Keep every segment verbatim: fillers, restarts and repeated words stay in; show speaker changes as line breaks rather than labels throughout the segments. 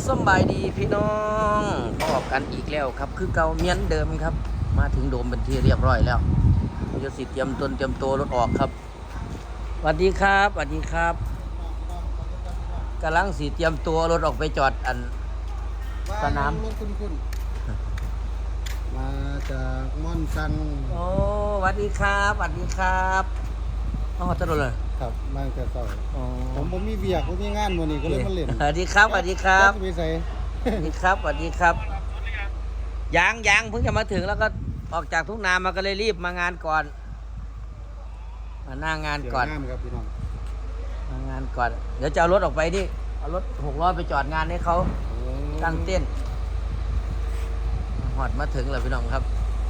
สบายดีพี่น้องพบกันอีกแล้วครับคือเก่าเมียนเดิมครับมาถึงโดมเป็นที่เรียบร้อยแล้วจะสิเตรียมตนเตรียมตัวรถออกครับสวัสดีครับสวัสดีครับกำลังสิเตรียมตัวรถออกไปจอดอันสนาม
รถคุณคุณมาจากม่อนซัง
โอ้สวัสดีครับสวัสดีครับอ๋อจะโดนเลย
ครับมาแต่เช้า
อ๋อ
ผมผมมีเบียกผมมีงานวันนี้ก็เลยมาเล่น
สวัสดีครับสวัสดีครับ
จะไปใส่
สวัสดีครับสวัสดีครับยังยังเพิ่งจะมาถึงแล้วก็ออกจากทุ่งนามาก็เลยรีบมางานก่อนมาหน้างานก่อน
เดี๋ยวงามครับพี่น้อง
มางานก่อนเดี๋ยวจะเอารถออกไปดิเอารถหกล้อไปจอดงานให้เขาตั้งเต้นหอดมาถึงแล้วพี่น้องครับ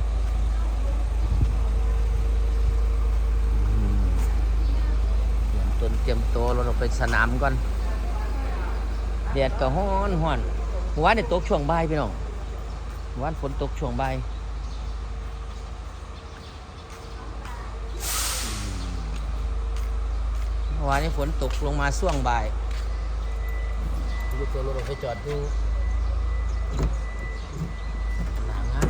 เตรียมตนเตรียมตัวรถออกไปสนามก่อนแดดก็ฮ้อนฮ้อนหัวเนี่ยตกช่วงบ่ายพี่น้องวันฝนตกช่วงบ่ายเมื่อวานนี้ฝนตกลงมาช่วงบ่ายดูตัวรถไปจอดดูหนางาน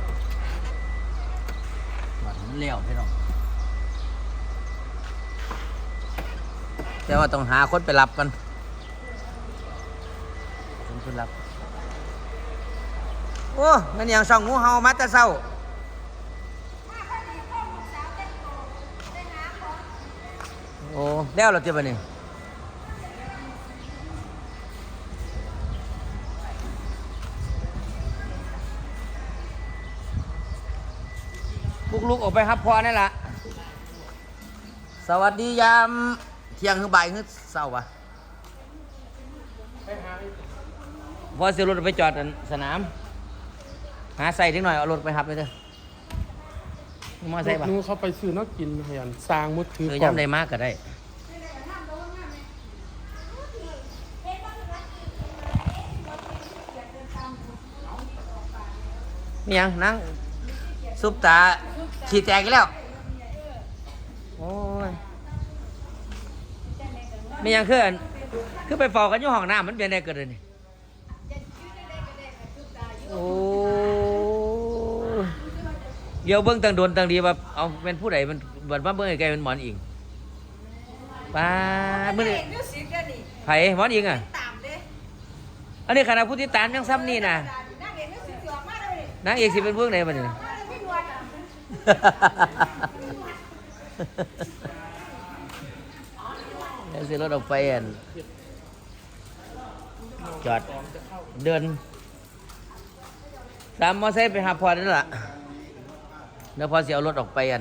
วัดมันเลี้ยวพี่น้องแต่ว่าต้องหาคนไปรับกันคนไปรับโอ้มันอย่างส่องงูเห่ามาแต่เช้าโอ้แล้วเราเจ็บปะนี่ลุกๆออกไปครับพอนี่แหละสวัสดียามเที่ยงคือบ่ายคือเช้าปะพอเสียรถไปจอดสนามหาใส่ทิ้งหน่อยเอารถไปหับเลยเถอะมาใส่ปะ
นู้เขาไปซื้อนักกินพยันสร้างมุดถือ
เออ
ก่อน
ย้ำได้มากก็ได้มียังนั่งซุปตาขี่แตกอีกแล้วโอ้ยมียังคืออันคือไปฟอกันอยู่ห้องน้ำมันเป็นได้เกิดเลยนี่โอ้เดี๋ยวเบิ้งตังโดนตังดีแบบเอาเป็นผู้ใดมันบัดมาเบิ้งไอ้ไกลเป็นหมอนอิงป้าเมื่อนี่ไผ่หมอนอิงอ่ะอันนี้ขนาดผู้ที่ตามยังซ้ำนี่นะนางเอกสิเป็นเบื้องไหนบ้างเนี่ยแล้วสิรถออกไปอันจอดเดินตามมอไซค์ไปหาพอนั่นแหละเดี๋ยวพอสิเอารถออกไปอัน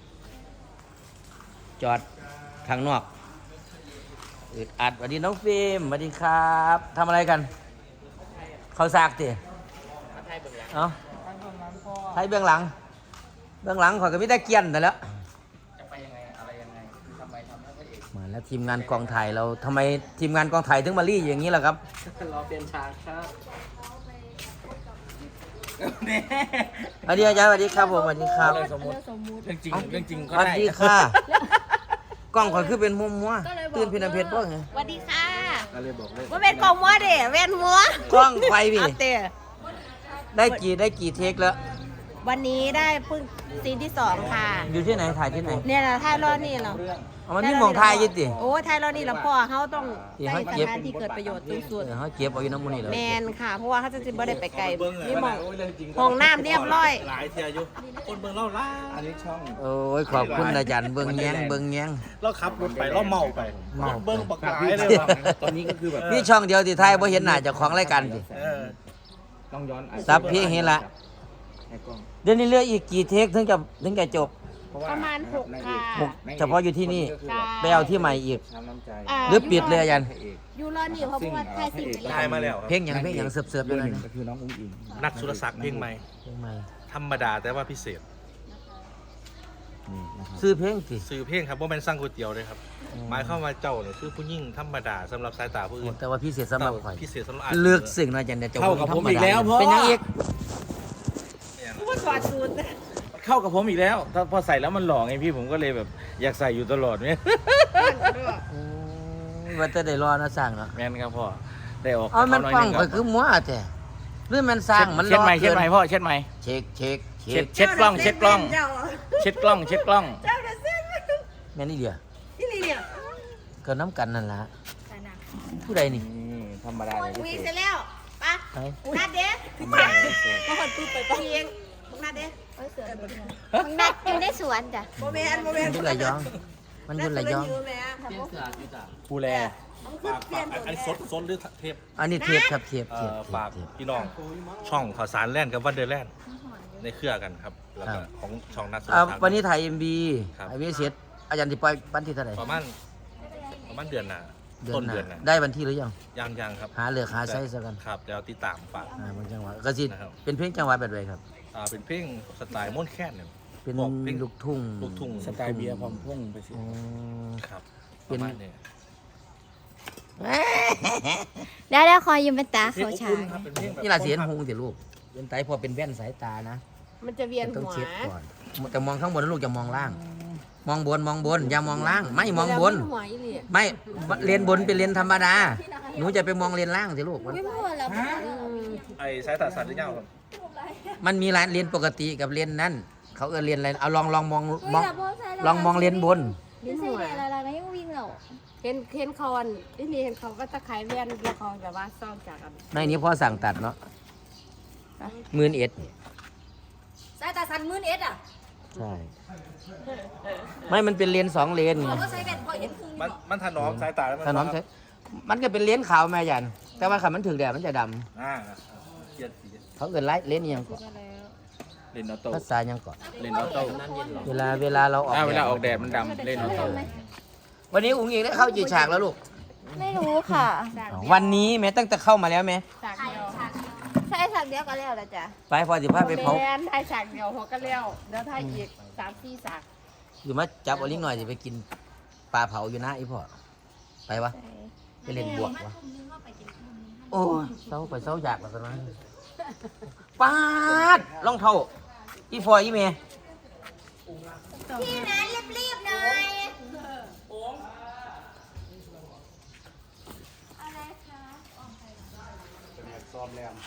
จอดข้างนอกอึดอัดสวัสดีน้องฟิล์มสวัสดีครับทำอะไรกันเขาซากติเอ้าไทยเบื้องหลังเบื้องหลังขอยก็ไม่ได้เกียนแต่แล้วจะไปยังไงอะไรยังไงทำไมทำให้พระเอกมาแล้วทีมงานกองถ่ายเราทำไมทีมงานกองถ่ายถึงมารีอย่างนี้ล่ะครับ
รอเปลี่ยนฉากครับ
สวัสดีอาจารย์สวัสดีครับผมสวัสดีครับ
สมมติเรื่องจริงเรื่องจริง
ส
ก็
วัส
ได้
ดีค่ะกล้องขอยคือเป็นมัวมัวตื่นพินาเพชรบ้างไง
สวัสดีค่ะ
ก็เลยบอกเลย
ว่าเป็นกองมัวเด้เวนมัว
กล้องไฟพี่
อัปเตะ
ได้กี่ได้กี่เทคแล้ว
วันนี้ได้เพิ่งซีนที่สองค่ะ
อยู่ที่ไหนถ่ายที่ไหน
เนี่ยนะถ่ายรอดนี่เหรอ
เอามันมีหมองถ่ายอยี่ติ
โอ้ถ่ายรอดนี่แล้วพ่อเขาต้อง
ที่
ได้
เขา
ส
เก็บ
ถานที่เกิดประโยชน์สูงสุด
เออเขาเก็บเอาอยู่น้ำมันนี่เลย
แมนค่ะ เพราะว่าเขาจะจิบ่ได้ไปไกลนี่มองห้องน้ำเรียบร้อย
หลายเทียอยู่คนเบิ่งเราล่าอันนี้ช่อง
โอ้ยขอบคุณอาจารย์เบิ้งแยงเบิ้งแยง
เราขับรถไปเราเมาไป
เมาไป
เบิ่งบักหลายเลยว่ะตอนนี้ก็คือแบบ
นี่ช่องเดียวที่ไทยบ่เห็นหน้าเจ้าของรายการสิ
เออ
ต้องย้อนอาจจะ
ซับเพียงเห็นละ
ให้กล้อง
เดี๋ยวนี้เหลืออีกกี่เทคถึงจะถึงจะจบ
เพราะว่า
ประมาณหกค่ะ
หกเฉพาะอยู่ที่นี่
ก็คือแบบ
ไปเอาที่ใหม่อีก
ช้ำน้ำใจ
า
หรือปิดเลยอาจารย์
พระเอก
อยู่รอนี่เพราะว่าถ่ายสิ่งไป
ได้
แล้ว
มาแล้วครับ
เพลงอย่างเพลงอย่างเสิร์ฟเสิร์ฟ
เบอ
เล
ร์ห
ย
นึ่ง
นะ
ก็คือน้องอุ้งอิง
นักสุรศักดิ์เพลงใหม่
เพลงใหม่
ธรรมดาแต่ว่าพิเศษ
นี่นะครับ
ซื้อเพลงสิ
ซื้อเพลงครับว่าเป็นสร้างก๋วยเตี๋ยวเลยครับหมายเข้ามว่าเจ้าเนี่ยคือผู้ยิ่งธรรมดาสำหรับสายตาผู้อื่น
แต่ว่าพิเศษสำหรับข่อย
พิเศษสำหรับ
เลือกสิ่งนะอาจารย์จะ
เข้ากับผมอีกแล้วพ่อ
เป็นยังอีก
ว่าถอดสูตร
เข้ากับผมอีกแล้วถ้าพอใส่แล้วมันหล่อไงพี่ผมก็เลยแบบอยากใส่อยู่ตลอดเนี่ย
อืมว่าจะได้รอนะสั่งเนาะ
แม่นครับพ่อได้ออก
เอามัน
หน่อย
ฟัง
ห
ไป
ง
คือมัวแต่หรือมันสร้างมัน
เช็ดไหม
รอ
เช็ด
กิน
ไหมพ่อเช็ดไหม
เช็คเช็คเช็
เช็
ค
ดเช็ดกล้องเช็ดกล้อง
เจ้า
เช็ดกล้องเช็ดกล้อง
เจ้าจะเส้น
แม่นี่เดียว
ที่นี่เนี่ย
ก็น้ำกันนั่นล่ะผู้ใดนี่
นี่ธรรมดาเลย
วิ่งเสร็จแล้วปะ
ไป
นัดเด้
ธรรมดาเลย
มาหดปุ๊บไปปะเองนัดเด้
มึงนัดอยู่ในสวนจ้ะ
โมเมนต์โมเม
มัน น
ต์
อยู่ระยอง มันอยู่ระยอง
ผู้แล
ฝากฝากอันนี้สดสดหรือเทป
อันนี้เทียบครับเทียบ
เอ่
เทียบ
อ
เทีย
ฝา
บ
ก
เทียบ
พี่น้องช่องข่าวสารแล่นกับวันเดอร์แลนด์ในเครือกันครับ แล้ว
ครั
ก็
บ
ของช่องนักสุ
อ่า
ขภาพ
วันนี้ถ่ายเอ็มบี
ครับ
ไอวีเสร็จอาจารย์ที่ปล่อยวันที่เท่าไหร่
ประมาณประมาณเดือนหน้า
เดือ
ต้
น
น
หน้า
เดือนหน้า
ได้วันที่หรือยัง
ยังยังครับ
หาเลือกหาไซส์ซะกัน
ครับเดี๋ยวติดตามฝาก
อ่าบางจังหวะก็สิ
นะครับ
เป็นเพลงจังหวะแบบไหนครับ
อ่าเป็นเพลงสไตล์ม่วนแค้นเนี่ย
เป็น
บอกเพลง
ลูกทุ่ง
ลูกทุ่ง
สไตล์เบียร์พร้อมพุ่งไปสิ
อ๋อ
ครับ
เป็
ป
น
ระมาณนี้
เดี๋ยวเดี๋ยวคอยยืมเป็นตา
เพลง
เขา
อบ
ฉา
อุ่น
ย
ครับเป็นเพลงแบบ
นี่ลาเสียนหงสิลูกเป็นไตพอเป็นแว่นสายตานะ
มันจะเวียน
ต้อง
หัว
เช็ดก่อนแต่มองข้างบนนะลูกอย่ามองล่าง มองบนมองบนอย่ามองล่าง ไม่มองบน
หัวอีหลี
ไม่เลนบนเป็นเลนธรรมดา หนูจะไปมองเลนล่างสิลูก
ไม่พูดแล้ว
ไอ้สายตาสัตว์หรือเปล่าครับ
มันมีร้านเลนปกติกับเลนนั่นเขาเออเลนอะไรเอาลองลองมองมองลองมองเลนบน
เวียนหัวอะไรๆยังวิ่งเหรอ
เห็นเห็นคอนที่นี่เห็นเขาก็จะขายเวียนละครแบบว่าซ่อมจากกัน
ในนี้พ่อสั่งตัดเนาะหมื่นเอ็ด
สายตาสันมื่นเอ็ดอ่ะ
ใช่ ไม่มันเป็นเลนสองเลนไง
ก็ใช้แว่นพอเห็นพุง
มันมันถนอมสายตาแล้ว
ถนอมใช้มันก็เป็นเลนขาวแม่ยัน แต่ว่าขันมันถึงแดดมันจะด
อ่าเกียรติ
ำเขาเกิดไล่เลนอิหยังก่อน
เล่นออโต้
ภาษาอิหยังก่อน
เล่นออโต้
เวลาเวลาเราออก
อ่าเวลาออก
แด
แด
ด
ดมันดำเล่นออโต้
วันนี้อุ้งอิงได้เข้ากี่ฉากแล้วลูก
ไม่รู้ค่ะ
วันนี้แม้ตั้งแต่เข้ามาแล้วไหม
ฉากเดียว
ใช่สักเดียวก็แล้วละจ้ะ
ไปพอสิพาไปเผา
แมนถ่ายฉากเดียวหัวก็เลี้ยวเดี๋ยวถ่ายอีกสามสี่ฉาก
อยู่มาจับเอาลิ้งหน่อยจะไปกินปลาเผาอยู่นะไอ้พ่อไปวะไปเล่นบวกวะโอ้ยเศร้าไปเศร้าอยากแล้วกันนะปาดรองเท้าอีฟอยอีเมย์
พี่นะรีบๆหน่อย
ซ้อมแรม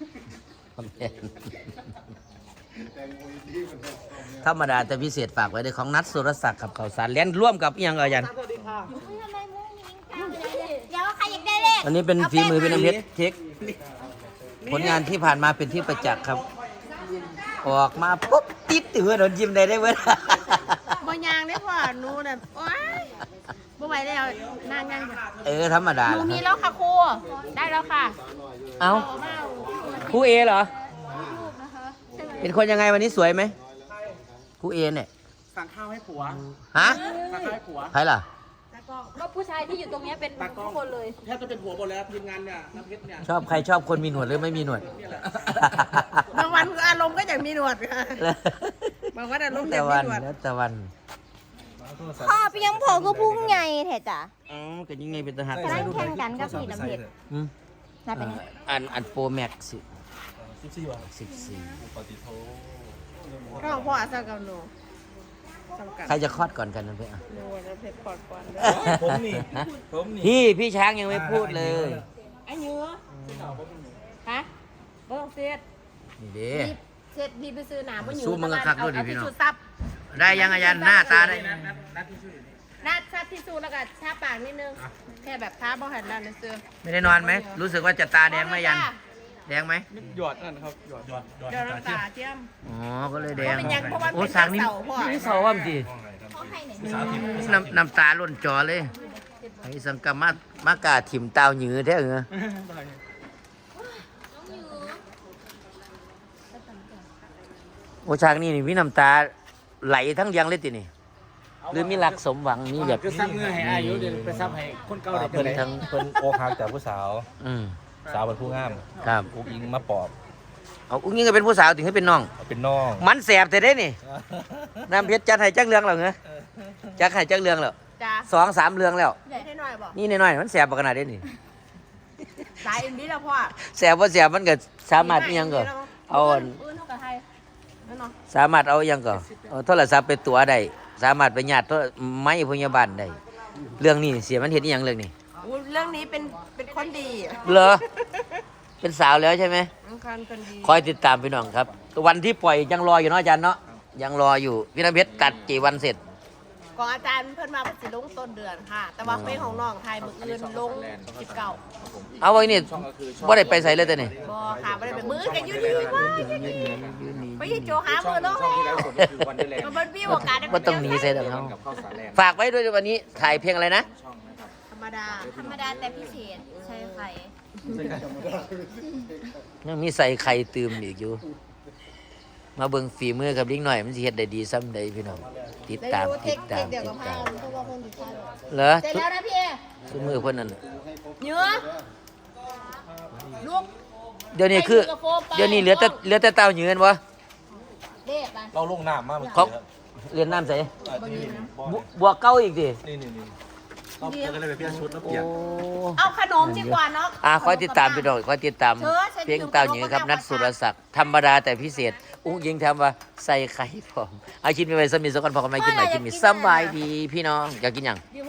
ธรรมดาแต่พิเศษฝากไว้ในของนัดสุรศักดิ์กับข่าวสารเลี้ยนร่วมกับอิหยังเอ่ยยัน
ทำไมมุ้งยิงก้าวเลยเดี๋ยวใครอยากได้เลข
อันนี้เป็นฝีมือเป็นน้ำเพชรเทคผลงานที่ผ่านมาเป็นที่ประจักษ์ครับ ออกมาปุ๊บติดตือโดนยิ้มได้ได้เว้ย
บ่ยางได้พ่อหนูน่ะโอ๊ยบ่ไหวแล้วนานยัง
เออธรรมดา
หนู
ล่ะ
มีแล้วค่ะครูได้แล้วค่ะ
เอาครูเอเหรอ เป็นคนยังไงวันนี้สวยไหมครูเอเนี่ย
สั่งข้าวให้ผัว
ฮะ
สั่งข้าวให้ผัว
ใครล่ะ
ก็ผู้ชายที่อยู่ตรงนี้เป็นทุกคนเลย
แทบจะเป็นผัวหมดแล้วทีมงานเนี่ยน้ำเพชรเนี่ย
ชอบใครชอบคนมีหนวดหรือไม่มีหนวด
บางวันก็อารมณ์ก็อยากมีหนวดค่ะบางวันอารมณ์อ
แต่
ยากมี
วัน
หนวด
แล้วแต่วัน
พ่อเพียงพอก็พุ่งไงแท้จ้ะ
อ๋อก็ยังไงเป็นทหาร
กำลังแข่งกันกับพี่น้ำเพชร
อืม
น่าเป็นไง
อันอันโปรแม็กซ์
สิบสี่วัน
สิบสี่
ปฏิโท
ก็ของพ่ออาซากับหนูจำกัด
ใครจะคลอดก่อนกันนะเพื่อน
หนูจะเพชรปอดก่อน
ผมนี่ผมนี่
พี่พี่ช้างยังไม่พูดเลย
ไอ้เนื้อฮะบ่ต้องเสียด
นี่เด้
เสียดพี่ไปซื้อหนามมันอยู่
สู้มึงก็คักด้วยดิ
เอา
พี่น้อง
ทิชชู่ซับ
ได้ยังอาจารย์หน้าตาได้
นาดซับทิชชู่แล้วก็ทาปากนิดนึงแค่แบบทาบ่หันแล้วนะซื้อ
ไม่ได้นอนไหมรู้สึกว่าจะตาแดงไหมยันแดงไหม
หยอดนั่นครับหยอดหยอด
เดี๋ยวน้ำตาเทียม
อ๋อก็เลยแดง
เพราะมันยังเพราะว่า
โอ้
เป็น
ช้างนี่
เสาพ่อ
นี่เสาว่ามจี
พ่อให้ไหน
น้ำน้ำตาล้นจอเลยไอ้สังกามามากาถิ่มตาวหยือแท้เหรอโอ้ช้างนี่นี่มีน้ำตาไหลทั้งเรียังเลยตินี่หรือมีหลักสมหวังนี่แบบ
คือซับเงื่อให้อายุเดี๋ยวไปซับให้คนเก่าเด็ก
เพิ่น
เลย
ทั้งเพิ่นโอกหักจากผู้สาว
อืม
สาวเป็นผู้งาม
ครับ
อุ้งอิงมาปอบ
เอาอุ้งยิงก็เป็นผู้สาวถึงให้เป็นน้อง
เป็นน้อง
มันแสบแต่ได้นี่น้ำเพชรจัดให้จักเรื่องแล้วเหรอจักให้จักเรื่องแล้ว
จ้า
สองสามเรื่องแล้ว
ใหญ่ให้หน่อยบอก
นี่น้อยๆมันแสบปขนาดนี้นี่
สายเอ็นบีแล้วพ่อ
แสบว่าแสบมันก็สามารถอิหยังก็เอาอัน
ปืนเท่ากับไทยนั่นเนาะ
สามารถเอาอิหยังก็เอาโทรศัพท์ไปตัวได้สามารถไปญาติโทรไม้พยาบาลได้เรื่องนี้เสียมันเห็นอิหยังเรื่องนี้
อู้เรื่องรื่องนี้เป็นเป็นคนดี
เหรอเป็นสาวแล้วใช่ไหม
อังคารคนดี
คอยติดตามพี่น้องครับ วันที่ปล่อยยังรออยู่เนาะอาจารย์เนาะยังรออยู่พี่น้ำเพชรตัดกี่วันเสร็จ
ของอาจารย์เพิ่นมาสิลงต้นเดือนค่ะ แต่ว่าเพลงของน้องไทยมื้ออื่นลงสิบเก้า
เอาไว้นี่ว่าได้ไปใส่เลยแต่นี่
บ่ค่ะบ่ได้ไปมื้อกันอยู่นี่ว่าไปยี่โจหามื้อลงแล้วมันบ่มีโอกาสได้ไป
ว่าต้องหนีใส่แต่เขาฝากไว้ด้วยวันนี้ถ่ายเพลงอะไรนะ
ธรรมดา
ธรรมดาแต่พิเศษใช่ไข่
ยังมีใส่ไข่ตืมอีกอยู่ มาเบิ่งฝีมือกับลิงหน่อยมันสิเฮ็ดได้ดีซ้ำใดพี่น้องติดตามติดตามติดตามเหรอ
เสร็จแล้วนะพี่เอ
ทุกมือเพิ่นนั่นน่ะ
เนื้อลูก
เดี๋ยวนี้คือ เดี๋ยวนี้เหลือแต่เหลือแต่เต้าเหยือนวะ
เด็บไป
เราลงน้ำมากเมื่อ
เขา
กี้ครับ
เรียนน้ำใส่
อ่ะนี่
บวบวกเก้าอีกดิ
นี่นี่นี่เราก็เลยไปเปลี่ยนชุดแล้ว
โอ้
เปลี่ยน
เอาขนมดีกว่าเนาะ
อ่ะคอยติดตามพี่น้องคอยติดตามเพลงเต้าเหยือครับนัดสุรศักดิ์ธรรมดาแต่พิเศษ อุ้งยิงทำว่าใส่ไข่พร้อมเอาชิ้นไปไว้สมิธสักคนพอกันไม่กินไหนกินมีสบายดีพี่น้องอยากกินหยัง
ยืม